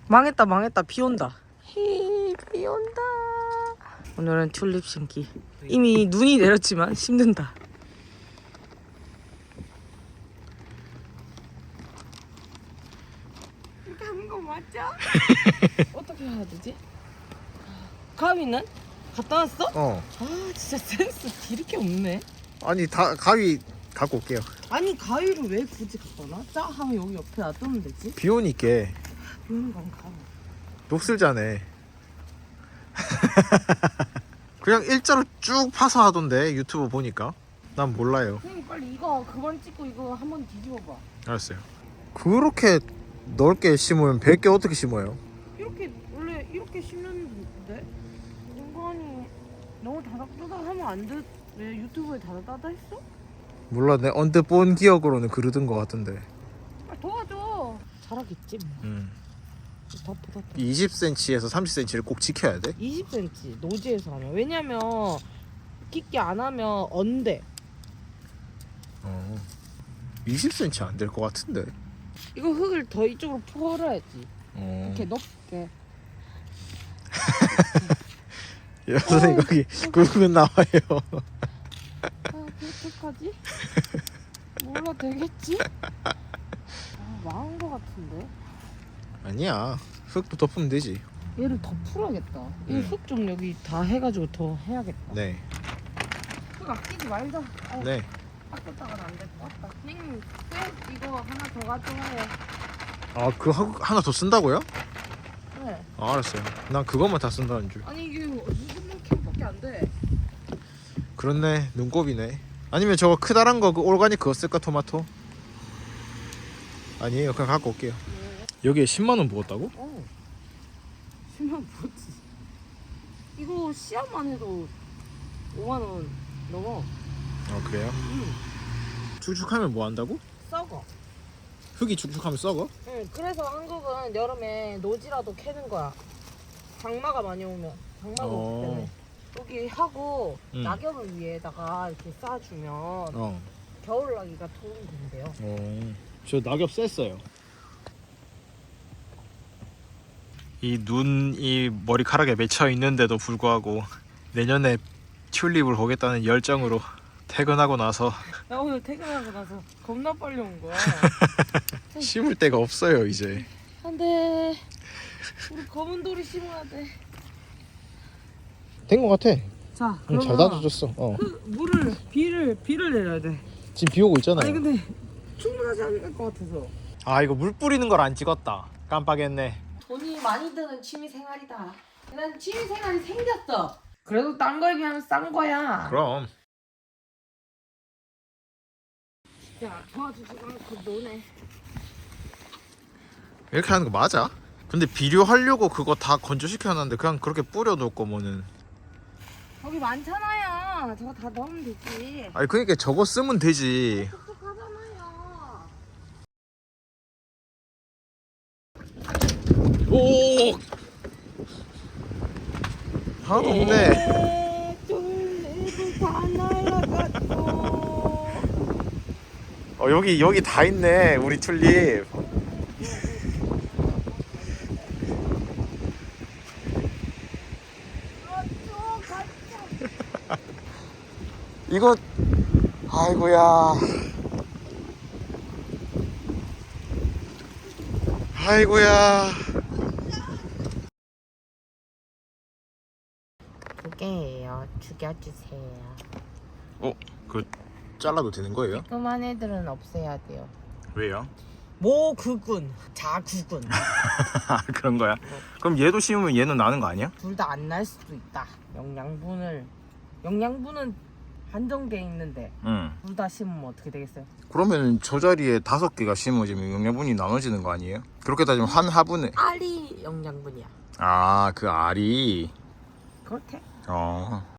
망했다 망했다. 비 온다. 비 온다. 오늘은 튤립 심기. 이미 눈이 내렸지만 심는다. 이렇게 하는 거 맞죠? 어떻게 해야 되지? 가위는? 갖다 놨어? 어. 아 진짜 센스 이렇게 없네. 아니 다 가위 갖고 올게요. 아니 가위를 왜 굳이 갖다 놔? 짜 하면 여기 옆에 놔두면 되지. 비 오니까 비 오는 건가? 녹슬자네. 그냥 일자로 쭉 파서 하던데 유튜브 보니까. 난 몰라요. 선생님 빨리 이거 그만 찍고 이거 한번 뒤집어봐. 알았어요. 그렇게 넓게 심으면 100개 어떻게 심어요? 이렇게 원래 이렇게 심는데 인간이 너무 다닥다닥하면 안 돼. 왜 유튜브에 다닥다닥 했어? 몰라, 내 언뜻 본 기억으로는 그러던 것 같은데. 아 도와줘. 잘하겠지 뭐. 덮어. 20cm에서 30cm를 꼭 지켜야 돼? 20cm 노지에서 하면. 왜냐면 깊게 안 하면 언대. 20cm 안 될 것 같은데. 이거 흙을 더 이쪽으로 풀어야지. 이렇게 높게. 야, 선생님 거기 굵은 나와요. 아, 어떡하지? 몰라 되겠지? 아, 망한 거 같은데. 아니야, 흙도 덮으면 되지. 얘를 더 풀어야겠다. 이 흙 좀 여기 다 해가지고 더 해야겠다. 네. 흙 아끼지 말자. 네. 아꼈다가는 안 될 것 같다. 선생님, 꽤 이거 하나 더 가져와요. 아, 그 하나 더 쓴다고요? 네. 아, 알았어요. 난 그것만 다 쓴다는 줄. 아니 이게 무슨 캔밖에 안 돼. 그렇네, 눈곱이네. 아니면 저거 크다란 거 그 올가닉 그거 쓸까, 토마토? 아니에요, 그냥 갖고 올게요. 여기에 10만 원 부었다고? 10만 원 뭐지? 이거 씨앗만 해도 5만 원 넘어. 아, 그래요? 응. 축축하면 뭐 한다고? 썩어. 흙이 축축하면 썩어? 응. 그래서 한국은 여름에 노지라도 캐는 거야. 장마가 많이 오면. 장마가 오기 때문에. 여기 하고 낙엽을 위에다가 이렇게 쌓아주면 겨울나기가 도움이 된대요. 저 낙엽 쐈어요. 이 눈이 머리카락에 맺혀 있는데도 불구하고 내년에 튤립을 보겠다는 열정으로 퇴근하고 나서 나 오늘 퇴근하고 나서 겁나 빨리 온 거야. 심을 데가 없어요 이제. 안돼. 우리 검은 돌이 심어야 돼. 된 것 같아. 자, 잘 다져줬어. 물을 비를 내려야 돼. 지금 비 오고 있잖아요. 아니 근데 충분하지 않을 것 같아서. 아, 이거 물 뿌리는 걸 안 찍었다. 깜빡했네. 돈이 많이 드는 취미 생활이다. 난 취미 생활이 생겼어. 그래도 딴 거에 비하면 싼 거야. 그럼. 야, 도와주지 않고 노네. 이렇게 하는 거 맞아? 근데 비료하려고 그거 다 건조시켜놨는데 그냥 그렇게 뿌려놓을 거면은. 거기 많잖아요. 저거 다 넣으면 되지. 아니 그러니까 저거 쓰면 되지. 똑똑하잖아요. 오. 하나도 없네. 쫄래도 다 날아갔어. 여기 다 있네 우리 튤립. 이거 아이고야. 아이고야. 두 개예요. 죽여주세요. 그 잘라도 되는 거예요? 그만 애들은 없애야 돼요. 왜요? 모구군, 자구군. 그런 거야? 그럼 얘도 심으면 얘는 나는 거 아니야? 둘 다 안 날 수도 있다. 영양분은 한정돼 있는데 응. 둘 다 심으면 어떻게 되겠어요? 그러면 저 자리에 5개가 심어지면 영양분이 나눠지는 거 아니에요? 그렇게 따지면 한 화분에. 알이 영양분이야. 아, 그 알이. 그렇대.